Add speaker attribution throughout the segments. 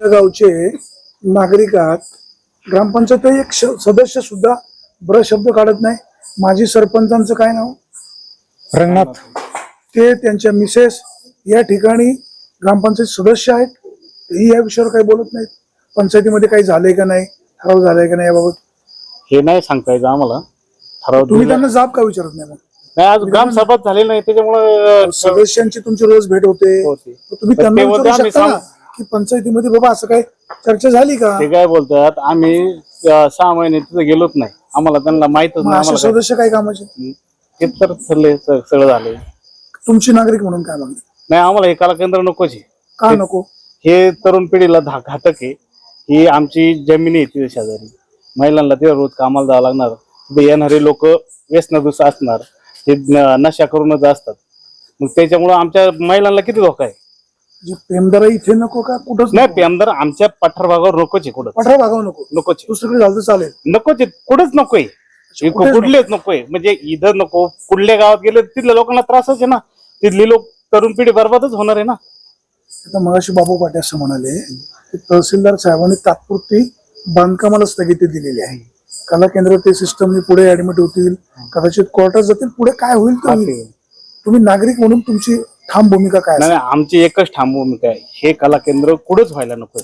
Speaker 1: गावचे नागरिकात ग्रामपंचायत एक सदस्य सुद्धा बर शब्द काढत नाही. माजी सरपंचांचं काय नाव?
Speaker 2: रंगनाथ.
Speaker 1: ते त्यांच्या मिसेस या ठिकाणी ग्रामपंचायत सदस्य आहेत. तेही या विषयावर काही बोलत नाहीत. पंचायतीमध्ये काही झालंय का नाही, ठराव झालाय का नाही याबाबत
Speaker 3: हे नाही सांगता येतं आम्हाला.
Speaker 1: तुम्ही त्यांना जाब का विचारत नाही? मग
Speaker 3: नाही, आज ग्रामसभा झाली नाही त्याच्यामुळे
Speaker 1: सदस्यांची तुमची रोज भेट होते. तुम्ही त्यांना विचारू शकता ना की पंचायतीमध्ये बाबा असं काही चर्चा झाली का?
Speaker 3: ते काय बोलतात, आम्ही 6 महिने तिथे गेलोच नाही, आम्हाला त्यांना माहितच नाही.
Speaker 1: असे सदस्य काय कामाचे?
Speaker 3: ते तर ठरले सगळं झाले.
Speaker 1: तुमची नागरिक म्हणून काय मागणी?
Speaker 3: नाही, आम्हाला हे कला केंद्र नकोच आहे.
Speaker 1: का नको?
Speaker 3: हे तरुण पिढीला घातक आहे. ही आमची जमिनी आहे तिथे शेजारी, महिलांना तिथे रोज कामाला जावं लागणार. तिथे येणारे लोक व्यसनादूष असणार, ते नशा करूनच असतात. मग त्याच्यामुळे आमच्या महिलांना किती धोका आहे.
Speaker 1: पेमदारा इथे नको का? कुठंच
Speaker 3: नाही, पेमदार आमच्या पठार भागावर नकोच आहे. कुठं
Speaker 1: पठार भागावर नको,
Speaker 3: नकोच आहे.
Speaker 1: दुसरीकडे झालं तर चालेल.
Speaker 3: नकोच आहे, कुठंच नकोय. कुठलेच नकोय. म्हणजे इथं नको, कुठल्या गावात गेले तिथल्या लोकांना त्रासच आहे ना. तिथली लोक तरुण पिढी बरबादच होणार आहे ना.
Speaker 1: आता मगाशी बाबू पाटे असं म्हणाले की तहसीलदार साहेबांनी तात्पुरती बांधकामाला स्थगिती दिलेली आहे. कला केंद्र ते सिस्टमनी पुढे ऍडमिट होतील, कदाचित कोर्टात जातील. पुढे काय होईल तर होईल. तुम्ही नागरिक म्हणून तुमची ठाम भूमिका काय?
Speaker 3: नाही, आमची एकच ठाम भूमिका आहे, हे कला केंद्र कुठंच व्हायला नकोय.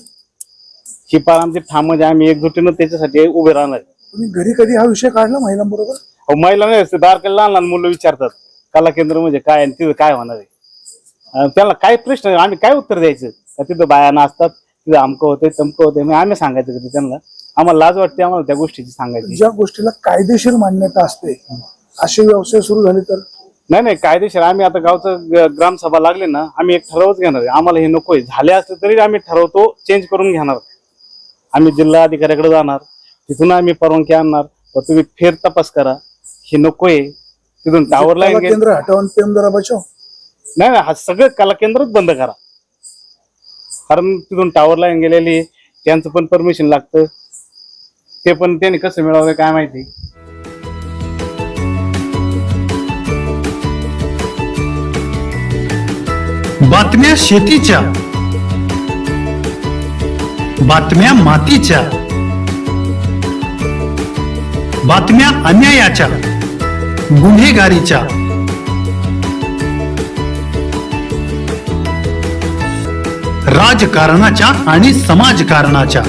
Speaker 3: ही पार आमची ठाम, म्हणजे आम्ही एकजुटीनं त्याच्यासाठी उभे राहणार.
Speaker 1: तुम्ही घरी कधी हा विषय काढला महिलांबरोबर?
Speaker 3: महिला नाही, बारकाईला लहान लहान मुलं विचारतात कला केंद्र म्हणजे काय आणि तिथं काय होणार आहे. त्याला काय प्रश्न, आम्ही काय उत्तर द्यायचं? तिथं बाया असतात, तिथं अमकं होते तमकं होते. मग आम्ही सांगायचं कधी त्यांना? आम्हाला लाज वाटते आम्हाला त्या गोष्टीची सांगायची.
Speaker 1: ज्या गोष्टीला कायदेशीर मान्यता असते असे व्यवसाय सुरू झाले तर?
Speaker 3: नाही, कायदेशीर. आम्ही आता गावचं ग्रामसभा लागले ना, आम्ही एक ठरावच घेणार आहे. आम्हाला हे नकोय. झाले असले तरी आम्ही ठरवतो चेंज करून घेणार. आम्ही जिल्हा अधिकाऱ्याकडे जाणार, तिथून आम्ही परवानगी आणणार. तुम्ही फेर तपास करा, हे नकोय. तिथून टावर लाईन
Speaker 1: केंद्र हटवून पेमदारा बचाव.
Speaker 3: नाही, हा सगळं कला केंद्रच बंद करा. कारण तिथून टावर लाईन गेलेली, त्यांचं पण परमिशन लागतं. ते पण त्यांनी कसं मिळवलं काय माहिती.
Speaker 2: बातम्या शेतीच्या, बातम्या मातीच्या, बातम्या अन्यायाच्या, गुन्हेगारीच्या, राजकारणाच्या आणि समाजकारणाच्या,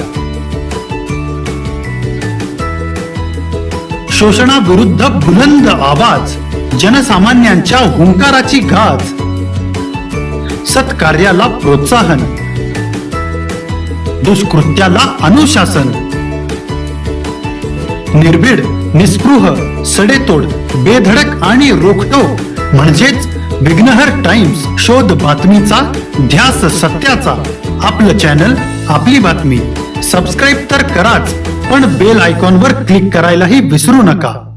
Speaker 2: शोषणाविरुद्ध बुलंद आवाज, जनसामान्यांच्या हुंकाराची गाज, सत्कार्याला प्रोत्साहन, दुष्कृत्याला अनुशासन, निर्भीड, निस्पृह, सडेतोड, बेधडक आणि रोखटोक म्हणजेच विघ्नहर टाइम्स. शोध बातमीचा, ध्यास सत्याचा. आपलं चॅनल, आपली बातमी. सबस्क्राईब तर कराच, पण बेल आयकॉनवर क्लिक करायलाही विसरू नका.